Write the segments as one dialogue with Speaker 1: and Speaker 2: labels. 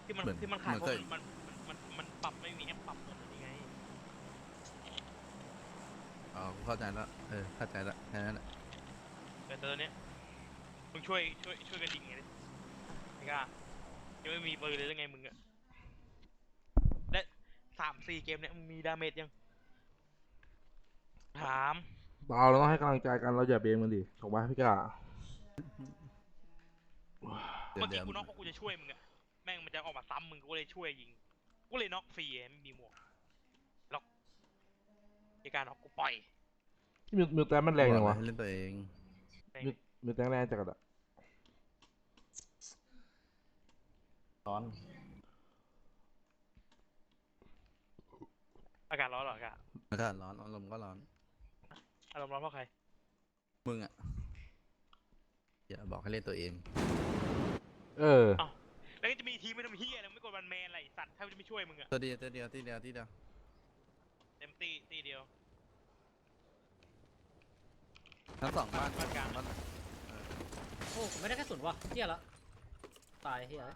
Speaker 1: ที่มัน
Speaker 2: เหมือน
Speaker 1: ที่มัน
Speaker 2: เห
Speaker 1: ขายพวก
Speaker 2: มือนเคย
Speaker 1: มันปรับไม่มีแอปปรับเหมือนนี่ไง
Speaker 2: อ๋อเข้าใจแล้วเข้าใจแล้วแค่นั้นแหละ
Speaker 1: แต่ตอนเนี้ยมึงช่วยกันยิงไงดิไม่กล้ายังไม่มีปืนเลยยังไงมึงอะและ3-4เกมเนี้ยมึงมีดาเมจยังถาม
Speaker 3: เราต้องให้กำลังใจกันเราอย่าเบมกันดิถูกไหมพี่กา
Speaker 2: เดี๋ยวเดี๋ยว
Speaker 1: เมื่อกี้กูน็อกเพราะกูจะช่วยมึงอะแม่งมันจะออกมาซ้ำมึงกูเลยช่วยยิงกูเลยน็อกฟรีไม่มีหมวกล็อกในการน็อกกูปล่อย
Speaker 3: ที่มิวแต้มมันแรง
Speaker 2: บอก
Speaker 3: จังวะ
Speaker 2: เลยให้เล่นตัวเอง
Speaker 3: มิวแต้มแรงจังกระดะ
Speaker 2: ร้อน
Speaker 1: อากาศร้อนเหรออากาศ
Speaker 2: อากาศร้อนอารมณ์ก็ร้อน
Speaker 1: อารมณ์ร้อนเพราะใคร
Speaker 2: มึงอ่ะอย่าบอกให้เล่นตัวเอง
Speaker 3: เออ
Speaker 1: อ้าวแล้วก็จะมีทีมไม่ทำเฮียอะไรไม่กดวันแมนอะไรสัตว์ถ้าจะไม่ช่วยมึงอะ
Speaker 2: ตัวเดียว
Speaker 1: เต็มตีเดียว
Speaker 2: ทั้งสองบ้าน
Speaker 1: บ้านกลาง
Speaker 2: บ้าน
Speaker 4: โอ้ผมไม่ได้กระสุนว่ะเฮียละตายเฮีย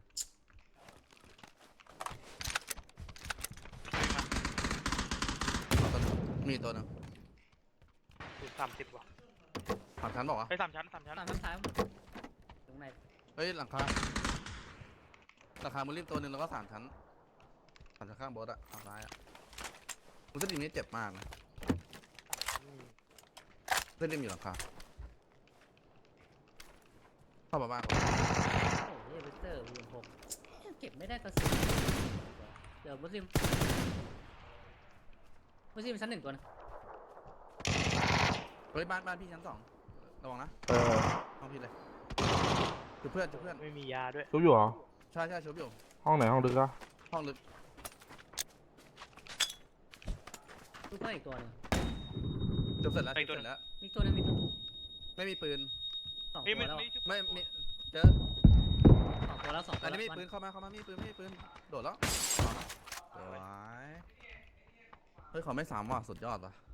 Speaker 2: มีตัวหนึง
Speaker 1: 30 ว่ะ
Speaker 2: สามชั้นบอกว่า
Speaker 1: ไป3 ชั้น
Speaker 4: ตามน้ำท้ายตรงไหน
Speaker 2: เฮ้ยหลังคามุริมตัวหนึ่งแล้วก็3 ชั้นข้างโบสอะทางซ้ายอะมุสลิมนี่เจ็บมากนะมุสลิมอยู่หลังคาเข้ามาบ้าน
Speaker 4: โอ้ยเวสเตอร์V6เก็บไม่ได้กระสุนเดี๋ยวมุสลิมชั้น1ตัวนะ
Speaker 2: เฮ้ยบ้านพี่ชั้น 2ระวังนะห้องพี่เลยจุดเพื่อน
Speaker 1: ไม่มียาด้วย
Speaker 3: ชุบอยู่เหรอ
Speaker 2: ใช่ชุบอยู่
Speaker 3: ห้องไหนห้องดึกอะ
Speaker 2: ห้องลึก
Speaker 4: ลูกเพื่อนอีกตัวนึง
Speaker 2: จบเสร็จแล้ว
Speaker 1: อีกตัวหนึ่ง
Speaker 4: มีตัวนึง
Speaker 2: ไม่มีปืน
Speaker 4: 2
Speaker 1: ไม่
Speaker 4: ตัวแล้ว
Speaker 2: ไม่มีเจอ
Speaker 4: 2 ตัวแล้ว2 ตั
Speaker 2: อั
Speaker 4: วน
Speaker 2: นี้ไม่มี
Speaker 4: แล้ว
Speaker 2: ปืนเข้ามาไม่มีปืนโดดแล้วสวยเฮ้ยเขาไม่3ว่ะสุดยอดว่ะ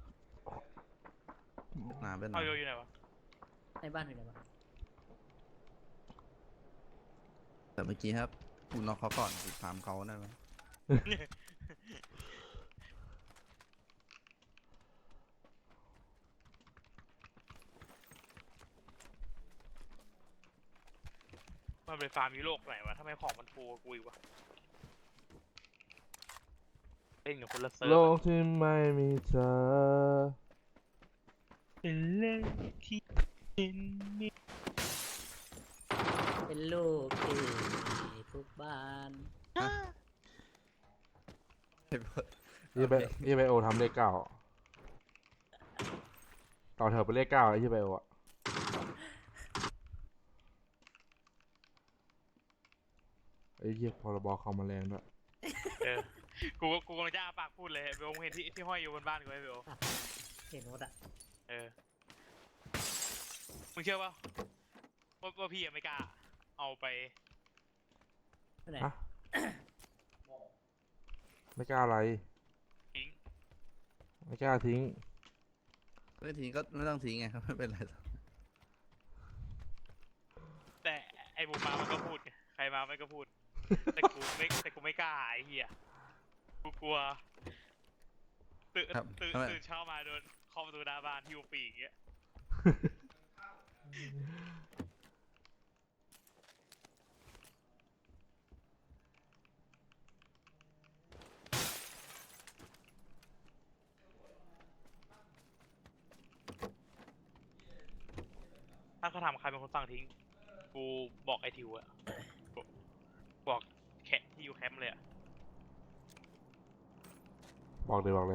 Speaker 2: นาเป็น
Speaker 1: เอาอยู่ไหนวะ
Speaker 4: ในบ้านอยู่ไหนวะ
Speaker 2: แต่เมื่อกี้ครับกูน็อกเขาก่อนกูถามเขาได้ไหม
Speaker 1: มันเป็นฟาร์มยุโรปไหนวะทำไมของมันฟูกูอีกวะเล่นกับคนละเซิร์ฟ
Speaker 3: โลกที่ไม่มีเธอ
Speaker 1: เป็นเล่นที่มี
Speaker 4: เป็นลูกที่ทุกบ้าน
Speaker 3: ยี่ไบโอทำเลข9ต่อเถอะไปเลข9ไอ้ยี่ไบโออะไอ้เหี้ยพรบคอมมาแรงด้วย
Speaker 1: กูกำลังจะอ้าปากพูดเลยเบลเห็นที่ห้อยอยู่บนบ้านกูไหมเบล
Speaker 4: เห็นหมดอ่ะ
Speaker 1: มึงเชื่อป่ะว่าพี่ไม่กล้าเอาไป
Speaker 4: ไหน
Speaker 3: ฮะไม่กล้าอะไร
Speaker 1: ทิ้ง
Speaker 3: ไม่กล้าทิ้ง
Speaker 2: ไม่ทิ้งก็ไม่ต้องทิ้งไงครับไม่เป็นไร
Speaker 1: แต่ไอ้บูมามันก็พูดไงใครมามันก็พูด แต่กูไม่กล้าไอ้เหี้ยกูกลัวตื่นเช้ามาโดนเคาะประตูหน้าบ้านที่อุปีอย่างเงี้ยถ้าเขาถามใครเป็นคนสั่งทิ้งกูบอกไอทิวอะบอกแคที่อยู่แคมป์เลยอะ
Speaker 3: บอกเลย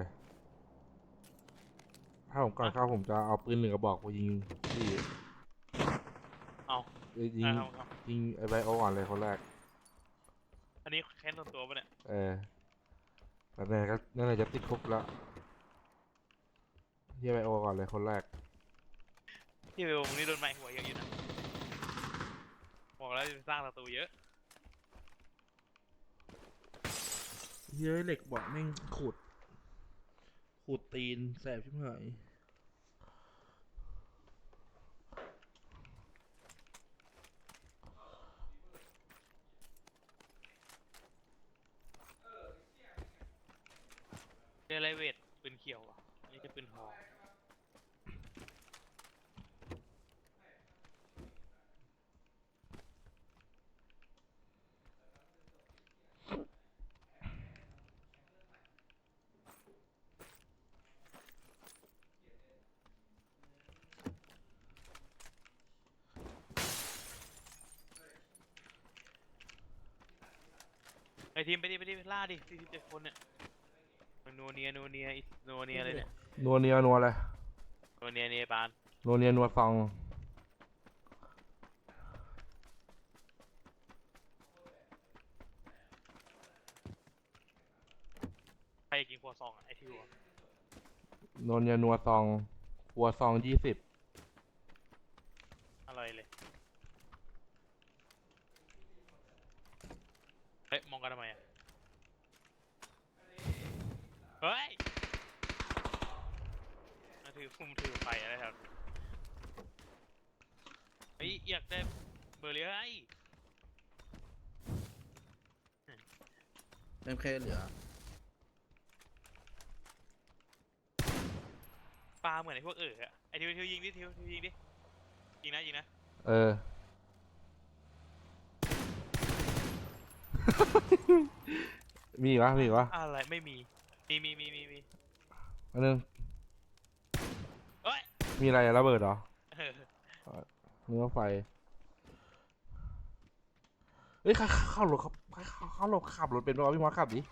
Speaker 3: ถ้าผมก่อนเข้าผมจะเอาปืน1 กระบอกไปยิงที่
Speaker 1: เอา
Speaker 3: ยิงไอ้ไบโอก่อนเลยคนแรก
Speaker 1: อันนี้แค้นส่วนตัวปะเนี่ย
Speaker 3: แล้วนั่นแหละจะติดคุกแล้วยี่ไบโอก่อนเลยคนแรก
Speaker 1: ที่เบลมึงนี่โดนไม้หัวเยอะอยู่นะบอกแล้วจะสร้างศัตรูเยอะ
Speaker 3: เฮ้ยเหล็กบอกแม่งขูดตีนแสบชิบหาย
Speaker 1: เป็นไรเวทปืนเขียวอ่ะนี่จะปืนทอง ไอทีมไปดิล่าดิ47คนเนี่ยมันนัวเนียเลยเนี่ย
Speaker 3: นัวเนียนัวอะไร
Speaker 1: นัวเนียปาน
Speaker 3: นัวเนียนัวซอง
Speaker 1: ใครกินครัวซองอ่ะไอทิวอ่ะ
Speaker 3: นัวเนียนัวซองหัวซอง20
Speaker 1: อร่อยเลยเฮ้ยมองกันทำไมอ่ะเฮ้ยมาถือไฟอะไรครับเฮ้ยอยากได้เบอร์เลยไอ้
Speaker 2: เอ็มเคเหลือ
Speaker 1: ปลาเหมือนไอ้พวกอะไอทิวยิงดิทิวยิงดิยิงนะ
Speaker 3: เออ มีอีกวะ
Speaker 1: อะไรไม่มีมี
Speaker 3: อันนึง
Speaker 1: เฮ้ย
Speaker 3: มีอะไรอะระเบิดเหรอ
Speaker 1: เออ
Speaker 3: เนื้อไฟเฮ้ยเข้ารถขับรถเป็นป่าวพี่มอสขับดิ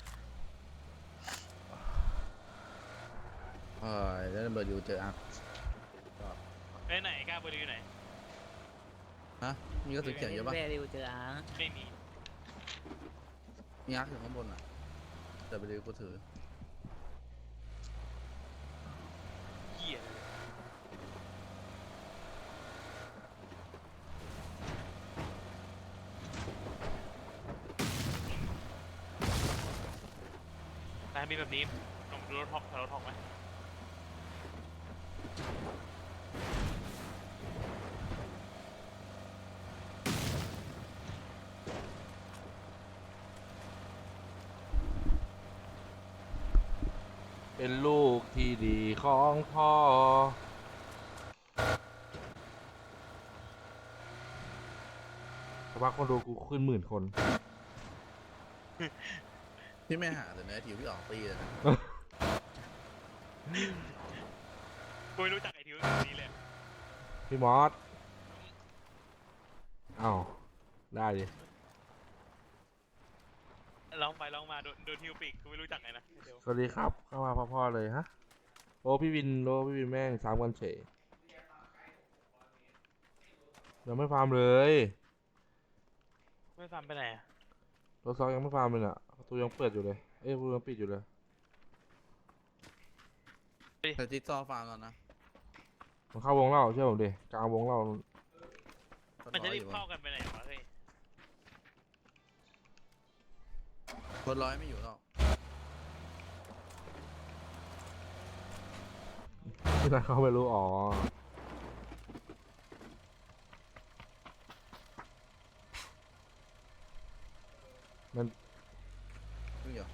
Speaker 2: แล้วเบอร์อยู่เจออ่ะ
Speaker 1: ไปไหนกล้าเบอร์อยู่ไหน
Speaker 2: ฮะมีกระสุนเขียวเยอะปะ
Speaker 4: แบริวเจออาร์
Speaker 1: ไม่มี
Speaker 2: มีอาร์คอยู่ข้างบนอ่ะแต่ไปดูกูถือ
Speaker 1: เหี้ยแต่มีแบบนี้ลองดูรถท็อกไหม
Speaker 3: เป็นลูกที่ดีของพ่อสักพักคนดูกูขึ้น10,000 คน
Speaker 2: พี่ไม่หาแต่เนื้อทิวพี่ออกตีเลยนะ
Speaker 1: กูไม่รู้จักไอ้ทิวแบบนี้เลย
Speaker 3: พี่มอสอ้าวได้ดิ
Speaker 1: ลองมาโดนทิวปีกกูไม่รู้จักไงนะเดี๋ยว
Speaker 3: สวัสดีครับ เข้ามาพ่อๆเลยฮะ โอ้พี่วินแม่ง3 กันเฉยยังไม่ฟาร์มเลย
Speaker 1: ไม่ฟังไปไหนอะ
Speaker 3: รถซองยังไม่ฟาร์มเลยอ่ะประตูยังเปิดอยู่เลย เอ้ยประตูยังปิดอยู่เลย
Speaker 2: แต่จิ๊กซอว์ฟาร์มก่อนนะ
Speaker 3: มันเข้าวงเล่าเชื่อผมดิกลางวงเล่า
Speaker 1: มันจะรีบเข้ากันไปไหนวะเฮ้ย
Speaker 2: คนร้อยไม่อยู่หรอก
Speaker 3: ที่ไหนเขาไม่รู้อ๋อ มัน
Speaker 2: ไม่อยู่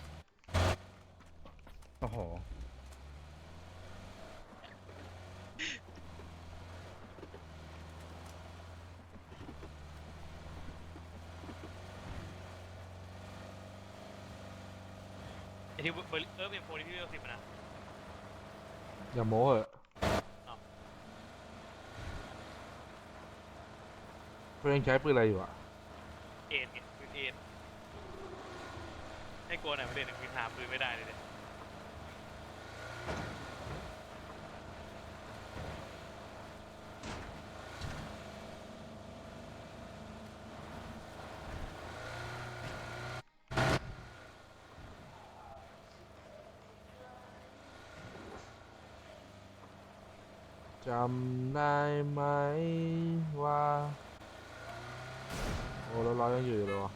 Speaker 2: โอ้โห
Speaker 1: ไอ้ทิวเบอร์เป็นโฟนี่พี่เวล10นะ
Speaker 3: อย่าโม้เหอะ
Speaker 1: อ้าว
Speaker 3: เพื่อนใช้ปืนอะไรอยู่อ่ะ
Speaker 1: เอ็นไงปืนเอ็นให้กลัวหน่อยประเด็นคือหาปืนไม่ได้เลยเนี่ย
Speaker 3: จำได้ไหมว่า โอ้แล้วเรายังอยู่เลยวะ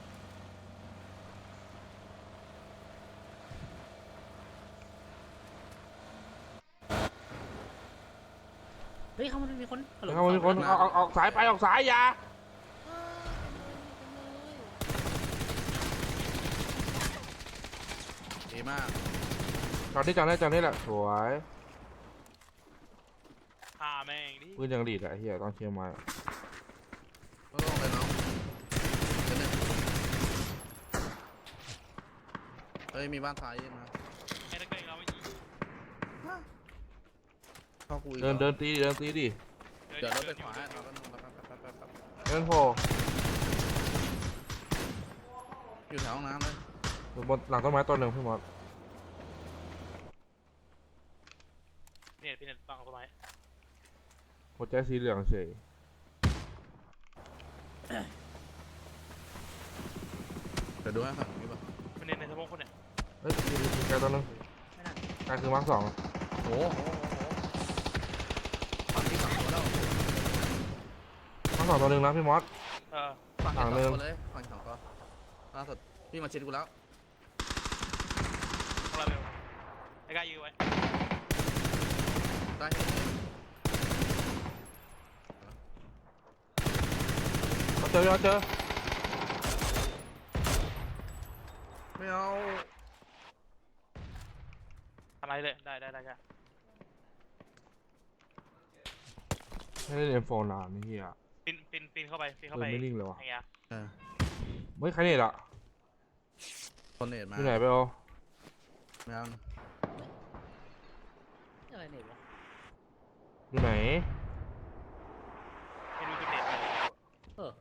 Speaker 4: เฮ้ยเขามันมีคน
Speaker 3: เข้ามาทุกคนออกสายไปออกสายอย่า
Speaker 2: ดีมาก
Speaker 5: อตที่จังได้จังนี่แหละสวย
Speaker 1: พาแม่งดิ
Speaker 5: ปืนยังดีดอะไอ้เหี้ยตอนเชียร์มา
Speaker 2: ก็ลงเลยน้องเดี๋ยวหนึ่งเฮ้ยมีบ้านซ้ายยืนมา
Speaker 1: ไอ้ตะเกียงเราไม่ยิง
Speaker 2: เข้ากูอีก
Speaker 5: เดิน
Speaker 2: เหรอ
Speaker 5: เดินตีดิเดินตีดิ
Speaker 2: เดี๋ยวรถไป
Speaker 1: ดิ
Speaker 2: ขวา
Speaker 1: เดิน
Speaker 2: เรา
Speaker 1: อยู่
Speaker 2: ก็นึงเราก็แป๊บ
Speaker 5: เดินโผล่
Speaker 2: อยู่แถวห้องน้ำเลย
Speaker 5: อยู่บนหลังต้นไม้ต้นหนึ่งพี่มอส
Speaker 1: เนี่ยพี่เน็ตฟังต้นไม้
Speaker 5: หัวใจสีเหลืองเฉย
Speaker 2: เดี๋ยวดูให้ฝั่งนี้ป่ะ
Speaker 1: มันเน็ตในสมองคนเนี่ย
Speaker 5: เฮ้ยมีไกลตัวหนึง
Speaker 4: ไม่น่า
Speaker 5: ไกลคือมาร์คสอง
Speaker 2: โอ้โหฝั่งที่ฝั่งตัวแล้ว
Speaker 5: มาร์คสองตัวหนึ่งนะพี่มอส
Speaker 2: ฝั่ง
Speaker 5: ฝั่
Speaker 2: ที่
Speaker 5: ง
Speaker 2: สอง
Speaker 5: หนึ่ง
Speaker 2: ตัวเลยฝั่งที่สองตัวล่าสุดพี่มาชิดกูแล้ว
Speaker 1: ของเราเร็วไอ้กล้ายื้อไว้
Speaker 2: ได้เห็น
Speaker 5: เราเจอเราเจอ
Speaker 2: ไม่เอา
Speaker 1: ทำอะไรเลยได้ได้ใช่
Speaker 5: ไม่ได้เรียนโฟนนานนี่เหี้ย
Speaker 1: ปีนเข้าไปปีนเข้า
Speaker 5: ปื
Speaker 1: ไป
Speaker 5: นไม่นิ่งเลยวะ
Speaker 1: ไอ้เงี้ย
Speaker 2: เออ
Speaker 5: เฮ้ยใครเนี่ยล่ะ
Speaker 2: คนเนตมา
Speaker 5: อยู่ไหนไปเอา
Speaker 2: ไม่เอา
Speaker 4: อะไรเนี่ยวะ
Speaker 5: อยู่ไหน
Speaker 1: ไม่รู้จุดเน็ตอะไร
Speaker 4: เออ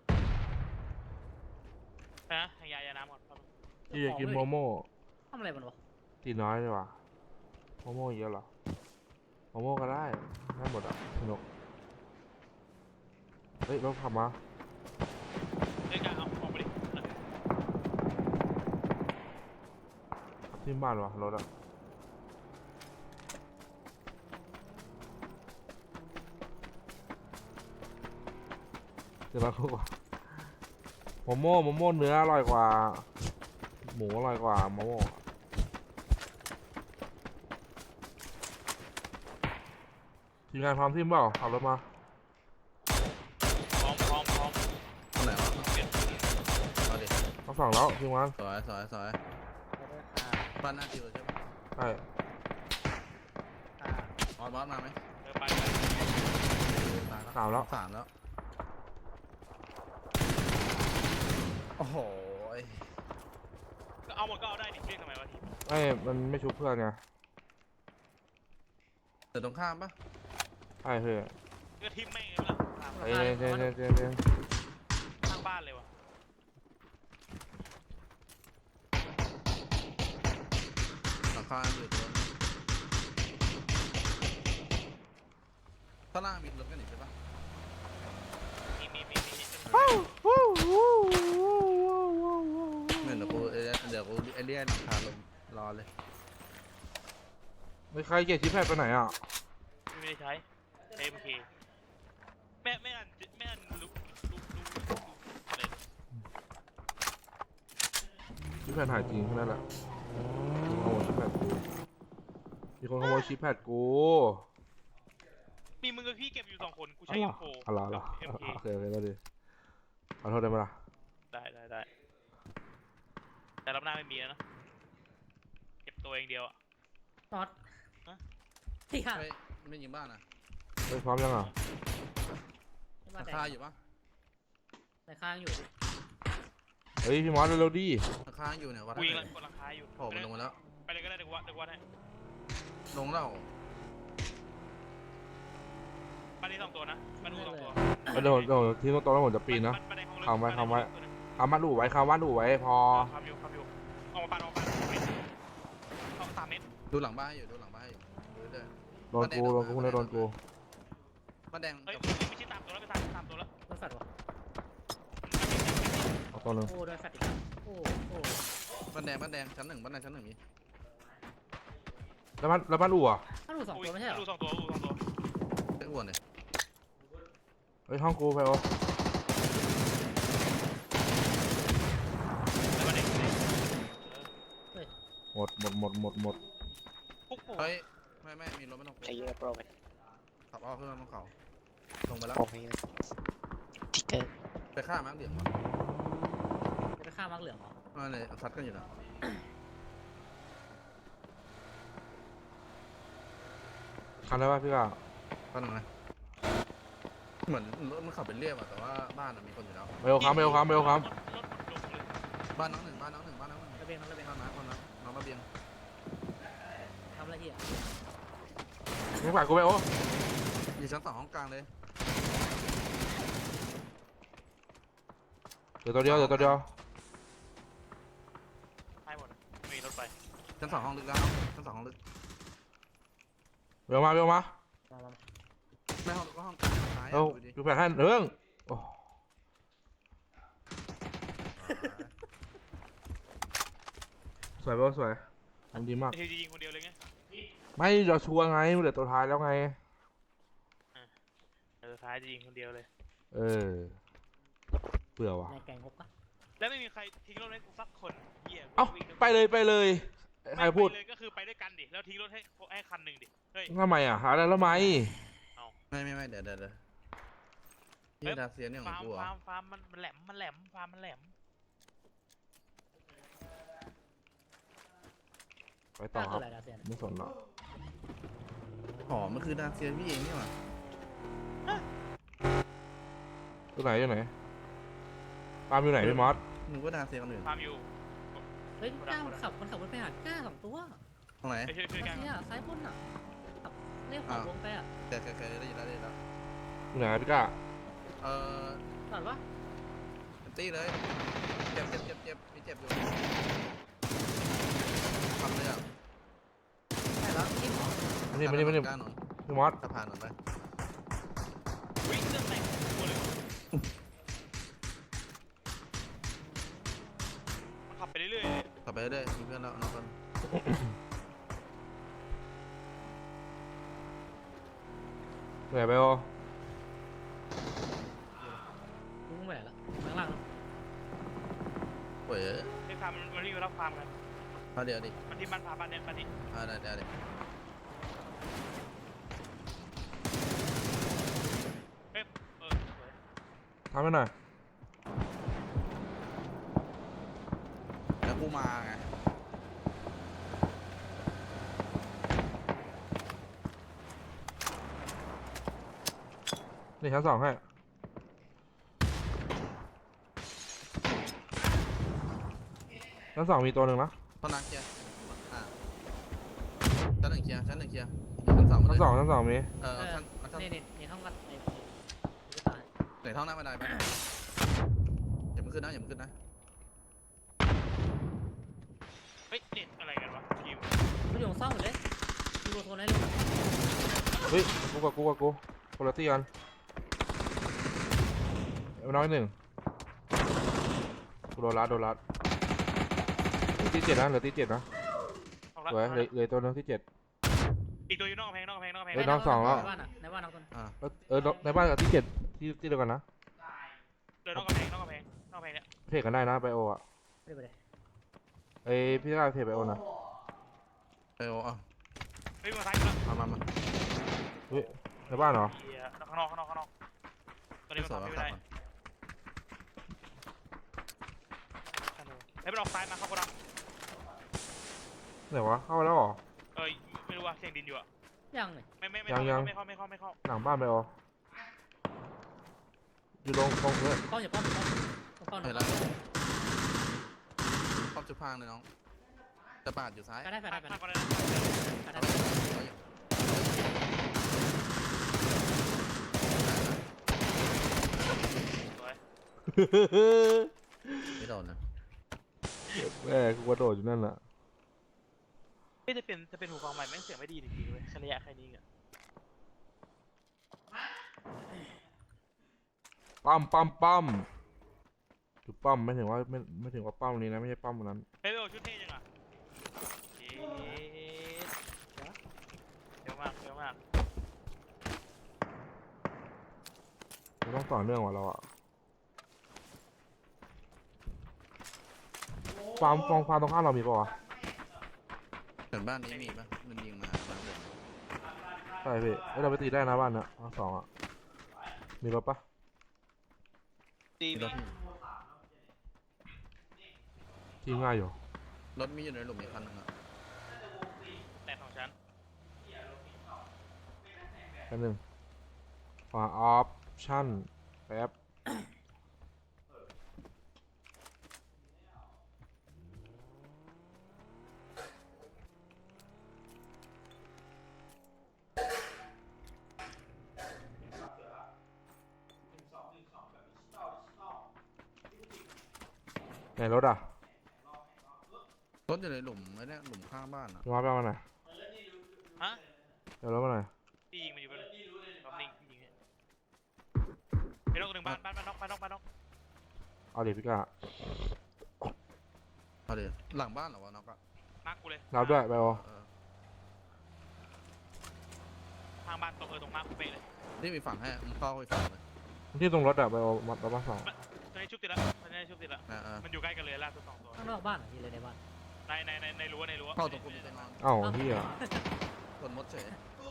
Speaker 1: นะให้ยาน้ำก่อน
Speaker 5: ที่จะกินโมโม่
Speaker 4: ทำอะไรมันวะ
Speaker 5: ตีน้อยดีกว่าโมโม่เยอะเหรอโมโม่ก็ได้ได้หมดอ่ะสนุกเฮ้ยรถขับมา
Speaker 1: เอ้ยกล้าเอาออกไปดิ
Speaker 5: ขับที่บ้านวะรถอ่ะเดี๋ยวเราคู่ก่อนโมโม่เนื้ออร่อยกว่าหมูอร่อยกว่าโมโม่ทีมงานพร้อมทีมเปล่าขับรถมา
Speaker 1: พร้อม
Speaker 2: คนไหนวะ
Speaker 1: เปลี่ยน
Speaker 2: เอาดิ
Speaker 5: ต้องสั่งแล้วทีมงาน
Speaker 2: สวยบ้านหน้าจิวใช่ปะ
Speaker 5: ใช่
Speaker 2: ออสมาไหม
Speaker 1: ไป
Speaker 2: มาแล้ว
Speaker 5: สามแล้ว
Speaker 2: สามแล้วโอ้โห
Speaker 1: ก็เอาหมดก็เอาได้ดิเรียกทำไมวะทีม
Speaker 5: ไอ้มันไม่ชุบเพื่อนไง
Speaker 2: เดี๋ยวตรงข้ามปะ
Speaker 5: ใช่เพื่อน
Speaker 1: ก็ทีมแม่งเลยล่ะ
Speaker 5: เอ้ยเจน
Speaker 1: ข้างบ้านเลยวะ
Speaker 2: หลังคาอยู่ตัวนึงข้างล่างมีรถกันอีกใช่ปะ
Speaker 1: มี
Speaker 2: เนี่ยเดี๋ยวกูไอเลียนพาลงรอเลย
Speaker 5: ไม่ใครเกียรชิปแพดไปไหนอ่ะ
Speaker 1: ไม่ได้ใช้ใช้โอเคไม่อ่านลุกเลย
Speaker 5: ชิปแพดหายจริงแค่นั้นแหละมีคนขโมยชิปแพดกู
Speaker 1: มีมึงกับพี่เก็บอยู่2 คนกูใช้ M4
Speaker 5: อะไร
Speaker 1: กับ MK
Speaker 5: โอเคก็ดีขอโทษได้ไหมล่ะ
Speaker 1: ได้แต่รอบหน้าไม่มีแล้วนะเก็บตัวเองเดียวอ่ะ
Speaker 4: น็อต
Speaker 1: ฮะ
Speaker 4: ที่ห่า
Speaker 2: ไม่ยิงบ้านนะ
Speaker 5: ไม่พร้อมยังอ่ะ
Speaker 4: ที่
Speaker 2: ห
Speaker 4: บ้า
Speaker 2: ลั
Speaker 4: น
Speaker 2: ง
Speaker 4: แด
Speaker 2: คาง อยู่ปะ
Speaker 4: ในข้างอยู่
Speaker 5: เฮ้ยพี่มอสเร็วๆดิ
Speaker 2: หลังคาอยู่เนี่ยวัด
Speaker 1: กู
Speaker 2: ให้
Speaker 1: ยิง
Speaker 2: หน่อย
Speaker 1: กดราคาอยู่
Speaker 2: โผล่มันลงมาแล้ว
Speaker 1: ไปเลยก็ได้เดี๋ยววัดให้
Speaker 2: ลงแล้ว
Speaker 1: บ้านนี้2 ตัวนะบ้านนู้น2 ตัว
Speaker 5: เดี๋ยวที่ตรงนั้นผมจะปีนนะ
Speaker 1: บ้านในห้องเลิก
Speaker 5: ทำไว้
Speaker 1: บ้านในห้องเลิกตัวนึง
Speaker 5: เอามาดูไว้คำว่าดูไว้พอ
Speaker 1: ครับอยู่ออกมาปันเอา3 เมตร
Speaker 2: ดูหลังบ้านให้อยู่ดูหลังบ้านให้อยู่ดูเรื่อย
Speaker 5: โดนกูเลยโดนกู
Speaker 2: ๆบ้านแดง
Speaker 1: เฮ้ย
Speaker 2: กับ
Speaker 1: ไม่ใช่3 ตัวแล้วไป3 ตัวแล้ว
Speaker 4: โดนแฟดวะ
Speaker 5: เอาตัวนึง
Speaker 4: โอ้โดนแฟดอีกแล้วโอ้
Speaker 2: บ้านแดงชั้นหนึ่งบ้านแดงชั้นหนึ่งมี
Speaker 5: แล้วบ้านอู่อ่ะ
Speaker 4: ถ้าดู2 ตัวไม่ใช่เหรอ
Speaker 1: ดู2 ตัว
Speaker 2: ไอ้อ้วนเนี่ย
Speaker 5: เฮ้ยห้องกูไปโอ
Speaker 1: แล้วบ้านเด็ก
Speaker 5: หมด
Speaker 1: ปุ๊ก
Speaker 2: เฮ้ยไม่มีรถไม่ต้อง
Speaker 6: ใช้เยอะโปรไป
Speaker 2: ขับอ้อขึ้นมาบนเขาลงไปแล้ว
Speaker 6: โปรไปเยอะทิกเกอร์
Speaker 2: ไปฆ่ามั้งเดี๋ยว
Speaker 4: จะไปฆ่ามักเหลืองเหรอ
Speaker 2: มาเลยซัดกันอยู่นะ
Speaker 5: คันได้ป่ะพี่ก้า
Speaker 2: ก็นึงนะเหมือนรถมันขับเป็นเรียบอะแต่ว่าบ้านอะมีคนอยู่แล้ว
Speaker 5: เบลค้ำเบลค้ำเบลค้
Speaker 1: รถลงเลย
Speaker 2: บ้านน้องหนึ่งบ้านน้องหนึ่งบ้านน้องหนึ่ง
Speaker 4: ระเบียงระเบียง
Speaker 2: บ้านน้องน้องระเบียง
Speaker 4: ทำอะไรที่อ่ะ
Speaker 5: ำมึงฝากกูไปโอ้
Speaker 2: อยู่ชั้น 2ห้องกลางเลย
Speaker 5: เดี๋ยวตัวเดียวเดี๋ยวตัวเดียว
Speaker 1: ให้หมดอะไม่มีรถไป
Speaker 2: ชั้น 2ห้องลึกแล้วชั้น 2ห้องลึก
Speaker 5: เบลมาเบลมา
Speaker 4: มามา
Speaker 2: ไม่ห้องลึกก็ห้องกลางซ้าย
Speaker 5: เอ้า
Speaker 2: ดูดิ
Speaker 5: ดูแผนให้เรื่องโอ้สวยเบลสวยทำดีมาก
Speaker 1: ไอ้ทียิงคนเดียวเลยไง
Speaker 5: ไม่เราชัวร์ไงมันเหลือตัวท้ายแล้วไง
Speaker 1: สุดท้ายจะยิงคนเดียวเลย
Speaker 5: เออเบื่อว่ะ
Speaker 4: ในแกงฮกปะ
Speaker 1: แล้วไม่มีใครทิ้งรถให้กูสักคนเหี้ย
Speaker 5: เอ้า
Speaker 1: วิ่ง
Speaker 5: ไปเลยไปเลย ใครพูด
Speaker 1: ไม่ไปเลยก็คือไปด้วยกันดิแล้วทิ้งรถให้คันหนึ่งดิเฮ้ย
Speaker 5: ทำไมอ่ะหาอะไรแล้วไหม
Speaker 2: ไม่เดี๋ยวที่ดาเซียเนี่ยขอ
Speaker 1: ฟาง ร์ม
Speaker 2: กูเหรอ
Speaker 1: ฟาร์มมันแหลมฟาร์มมันแหลม
Speaker 5: ไปต่อค
Speaker 4: คื
Speaker 5: รั
Speaker 4: อบ อะไรดาเซียน
Speaker 5: ไม่สนหรอก
Speaker 2: หอมันคือดาเซียพี่เองนี่หว่า
Speaker 5: ตัวไหนตัวไหนปาล์มอยู่ไหนพี่มอส
Speaker 2: มึงก็ดาเซียคนอื่น
Speaker 1: ฟาร์มอยู่
Speaker 4: เฮ้ยก้ามันขับรถไปหาก้า2 ตัว
Speaker 2: ตรงไหน
Speaker 1: ไปช่วยกัน
Speaker 4: เนี่ยซ้ายบนอ่ะขับเรียกขวาวงไปอ่ะ
Speaker 2: เคยได้ยินแล้ว
Speaker 5: อยู่ไหนพี่ก้า
Speaker 2: เออ
Speaker 4: ก่อนวะ
Speaker 2: เป็นตี้เลยเจ็บมีเจ็บอยู่ทำเลยอ่ะ
Speaker 4: ใช่แล้วที่หมอ
Speaker 5: มานี่
Speaker 2: กล้าหนอน
Speaker 5: พี่มอส
Speaker 2: สะพานหนอนไป
Speaker 1: วิ่งเรื่องไหนตัวเลยมันขับไปเรื่อยๆเลย
Speaker 2: ต่อไปเรื่อยมีเพื่อนแล้วน้องคน
Speaker 5: เหนื่อยไปโอ
Speaker 4: ลุงแหวนละข้างล่าง
Speaker 2: เว้ย
Speaker 1: ไอ้ฟาร์มมันวิ่งไปรับฟาร์มกัน
Speaker 2: มาเดี๋ยวดิ
Speaker 1: มันที่บ้านฟาร์มบ้านเนี้ยบ้านนี้
Speaker 2: ได้
Speaker 1: เฮ้ยสวย
Speaker 5: ทำให้หน่อย
Speaker 2: แล้วกูมาไง
Speaker 5: นี่ชั้น 2ให้ชั้น 2มีตัวหนึ่งนะ
Speaker 2: ตอนนั้นเคลียร์ชั้น 1เคลียร์ชั้น 1เคลียร์ชั้น 2มาเล
Speaker 5: ชั้น
Speaker 2: ย
Speaker 5: 2มี
Speaker 2: ชั้น
Speaker 4: นี่ห้องกัดไอ้ตาย
Speaker 2: ไหนท่องหน้าบันไดไปอย่ามึงขึ้นนะ
Speaker 1: เฮ้ยเน็ตอะไรกันวะทีม
Speaker 4: มันอยู่ซ่อมหมดเลยดูโทนให้เลย
Speaker 5: เฮ้ยกูกับกูคนละที่กันเอาน้อยหนึ่งกูโดนรัดเหลือที่7นะเหลือที่7นะ
Speaker 1: ออกละ
Speaker 5: สวยเหลือตัวหนึงที่7
Speaker 1: อีกตัวอยู่นอกกำแพงนอกกำแพงนอกกำแพง
Speaker 5: เฮ้ยน้องสองแล้ว
Speaker 4: ในบ้านอ่ะในบ้านน้องคน
Speaker 5: ในบ้านกับที่7ที่เดียวกันนะ
Speaker 1: เดินนอกกำแพงนอกกำแพงนอกกำแพงเนี่ย
Speaker 5: เทรดกันได้นะไปโออ่ะ
Speaker 4: ไม่ได้ไปเลย
Speaker 5: ไอพี่ก้าเทรดไปโอนะ
Speaker 2: เออเอา
Speaker 1: เฮ้ยมาซ้ายมา
Speaker 2: มา
Speaker 5: เฮ้ยในบ้านเหรอ
Speaker 1: เหี้ยข้างนอกตอนนี้มัน
Speaker 2: สวย
Speaker 1: ทำ
Speaker 2: ว่า
Speaker 1: ไม่
Speaker 2: ขับ
Speaker 1: ได้
Speaker 2: ก่อน
Speaker 1: เฮ้ยมันออกซ้ายมาเข้ากระดัง
Speaker 5: ไหนวะเข้าไปแล้วเหรอ
Speaker 1: ไม่รู้ว่าเสียงดินอยู่อะ
Speaker 4: ยังเลย
Speaker 1: ไม่
Speaker 5: ยัง
Speaker 1: เข้า
Speaker 5: หลังบ้านไปโออยู่ตรงเพื่อน
Speaker 4: ป้อมอย่าป้อมป้อม
Speaker 2: เห็นแล้วป้อมจุดพางเลยน้องจะปาดอยู่ซ้าย
Speaker 4: ก็ได้ไป
Speaker 1: ข้า
Speaker 4: ได้
Speaker 1: ง
Speaker 4: ไป
Speaker 1: ก็
Speaker 4: ได้
Speaker 1: ได้
Speaker 4: ก็ได้
Speaker 1: สวย
Speaker 2: ไม่โดนนะ
Speaker 5: แม่กูกระโดดอยู่นั่นแหละ
Speaker 1: จะเป็นหูฟังใหม่แม่งเสียงไม่ดีจริงๆเลยระยะแค่นี้อ่ะ
Speaker 5: ปั้มจุดปั้มไม่ถึงว่าไม่ถึงว่าปั้มนี้นะไม่ใช่ปั้มนั้น
Speaker 1: เฮ้ยโอ้ชุดเท่จังอ่ะเยอะมาก
Speaker 5: เราต้องต่อเนื่องว่ะเราอะฟาร์มตรงข้ามเรามีปะวะ
Speaker 2: เหมือนบ้านนี้มีปะมันยิงมาบ้านผม
Speaker 5: ใช่พี่เอ้ยเราไปตีได้นะบ้านเนี้ยทั้ง 2อะมีรถปะ
Speaker 1: ตี
Speaker 2: มีร
Speaker 1: มี
Speaker 2: ถ
Speaker 5: ที่ง่ายอยู่
Speaker 2: รถมีอยู่ในหลุมอีกคันนึงอ่ะ
Speaker 1: แต่ของฉัน
Speaker 5: แป๊บนึงขวาออปชั่นแป๊บไหนรถอ่ะ
Speaker 2: รถอยู่ในหลุมไอ้เนี่ยหลุมข้างบ้านอ่ะ
Speaker 5: พี่มาไปเอามาหน่อย
Speaker 1: ฮะ
Speaker 5: เดี๋ยวรถมาหน่อย
Speaker 1: พี่ยิงมันอยู่บนรอบนิ่งยิงไปนอกหนึ่งบ้านนอก
Speaker 5: เอาดิพี่กา
Speaker 2: เอาดิหลังบ้านเหรอวะน็อกอะ
Speaker 1: มาร์กกูเลย
Speaker 5: รับด้วยไปเอา
Speaker 2: เออ
Speaker 1: ทางบ้านตรงตรงมาร์กกูเป๊ะเลย
Speaker 2: นี่มีฝั่งให้มึงเข้าไปฝั่งเลย
Speaker 5: ที่ตรงรถอะไปเอามารับมาสอง
Speaker 1: ตอนนี้ชุบติดละตอนนี้ชุบติดละ มันอยู่ใกล้กันเลยล่าสุด2 ตัว
Speaker 4: ข้างนอกบ้านเหรอพี่เลยในบ้าน
Speaker 1: ในรั้ว
Speaker 2: เข้าตรงกูมีตัวนอน
Speaker 5: เอ้าเฮีย
Speaker 2: กดมดเฉย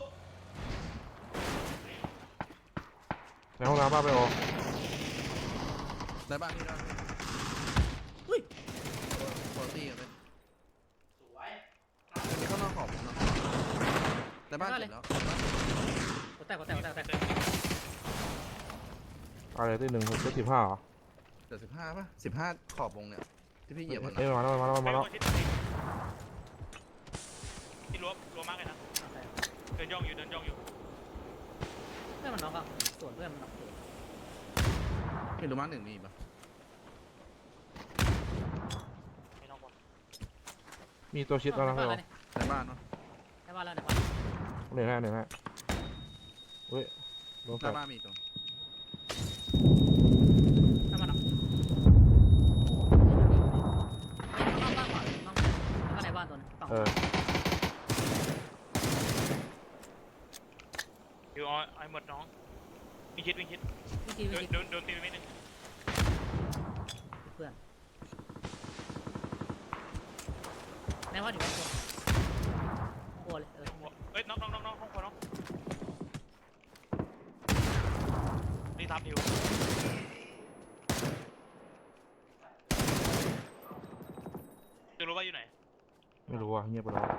Speaker 5: ในห้องน้ำป้าไปเอา
Speaker 2: ในบ้านนี่ได้คุณภาพกันเลยมีข้างนอกขอบนะในบ้านเสร็จแล้ว
Speaker 4: หัวแตก
Speaker 5: อะไรที่หนึ่งรถ15เหรอ
Speaker 2: เดี๋ยว15ป่ะ15ขอบวงเนี่ยที่พี่เหยียบมัน
Speaker 5: เอ้ยมาแล้วมาแล้วมาแล้ว
Speaker 1: ที่รั้วมากเลยนะเดินย่องอยู่
Speaker 4: เพื่อนมันน็อกอ่ะส่วนเพื่อนมันน็อกอยู่
Speaker 2: พี่รู้มั้งหนึ่งมีป่ะ
Speaker 1: ไม่นอกบอก
Speaker 5: มีตัวชิดแล้วนะ
Speaker 4: ใน
Speaker 5: พี่
Speaker 4: บ้าน
Speaker 5: เอา
Speaker 4: แล้ว
Speaker 2: ในบ้านเนาะ
Speaker 4: ในบ้านแล้วในบ้าน
Speaker 5: เหนื่อยให้เฮ้ยโดน
Speaker 2: ห
Speaker 5: แฟ
Speaker 2: น้าน บ้านมีตรง
Speaker 4: ในบ้านน็อกนอกบ้านก่อนนอกแล้วก็ในบ้านตัวนึงสอง
Speaker 5: เออ
Speaker 1: อยู่ไอ้หมดน้องวิ่งคิด
Speaker 4: วิธี
Speaker 1: โดนตีไปไม่นึง
Speaker 4: เพื่อนในบ้านอยู่ในตัวโอ้เลย
Speaker 1: เอ้ยน้องห้องครัวน้องนี่ทับทิวจะรู้ว่าอยู่ไหน
Speaker 5: ไม่รู้ว่ะเงียบไปแล้ว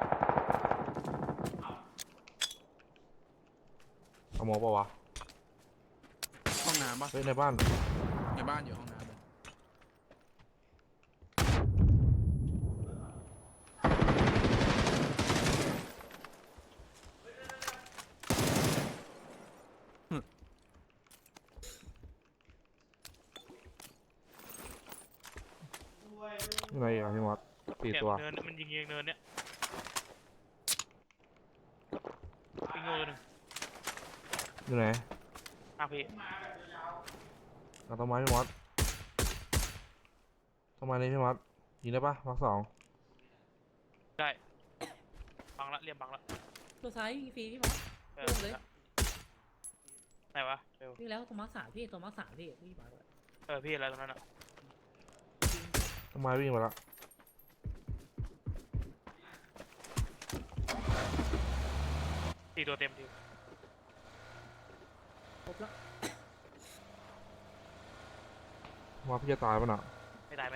Speaker 5: เอาหมอเปล่าวะ
Speaker 2: ห้องน้ำป่ะ
Speaker 5: เฮ้ยในบ้าน
Speaker 2: ในบ้านอยู่ห้องน้ำเลย
Speaker 5: อยู่ไหนอีกอ่ะพี่มอส4 ตัว
Speaker 1: เนินมันยิงเนินเนี่ยปิงโง่ตัวหนึ่ง
Speaker 5: อยู่ไหน
Speaker 1: พี่
Speaker 5: เอาต้นไม้พี่มอสต้นไม้นี้พี่มอสยิงได้ปะมาร์ค 2
Speaker 1: ได้บังละเรียมบังละ
Speaker 4: ตัวซ้ายยิงฟรีพี่หมอ
Speaker 1: เออ
Speaker 4: เลย
Speaker 1: ไหนวะเร็ว
Speaker 4: วิ่งแล้วตัวมาร์คสามพี่ตัวมาร์คสามพี่มาเลย
Speaker 1: พี่อะไรตรงนั้นอ่ะ
Speaker 5: ต้นไม้วิ่งไปแล้ว
Speaker 1: 4 ตัวเต็มทิว
Speaker 4: ครบแล้ว
Speaker 5: มาพี่จะตายปะน่ะ
Speaker 1: ไม่ได้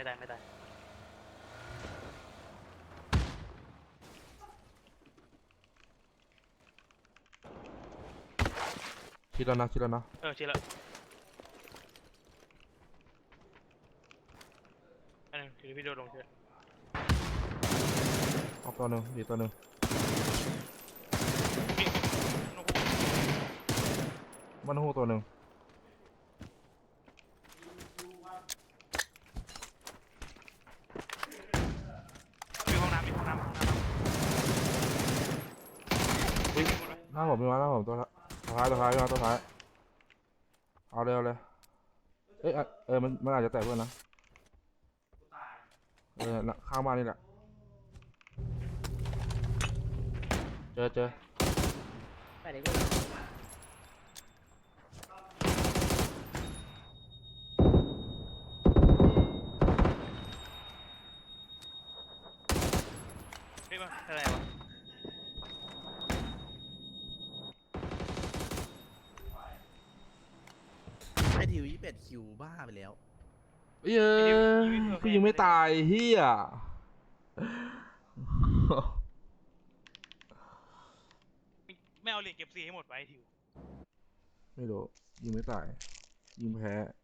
Speaker 5: คิดแล้วนะ
Speaker 1: เชื่อละอันนึงถือพี่โดดลงเชื่อ
Speaker 5: เอาตัวหนึ่งดีตัวหนึ่ง
Speaker 1: พี่นกฮูก
Speaker 5: มันหูตัวหนึ่ง
Speaker 1: มีห้องน้ำ
Speaker 5: หน้าผมมีมาหน้าผมตัวท้ายพี่มาตัวท้ายเอาเร็วเลยเอ้ยมันอาจจะแตกเพื่อนนะข้างบ้านนี่แหละเจอ
Speaker 4: ไปเดี๋ยวพี่
Speaker 1: พี่มาอะไรวะ
Speaker 2: ไอทิว21คิวบ้าไปแล้ว
Speaker 5: เอ้ยพี่ยิงไม่ตายเฮีย
Speaker 1: ไม่เอาเหรียญเก็บสีให้หมดไว้ทิว
Speaker 5: ไม่รู้ยิงไม่ตายยิงแพ้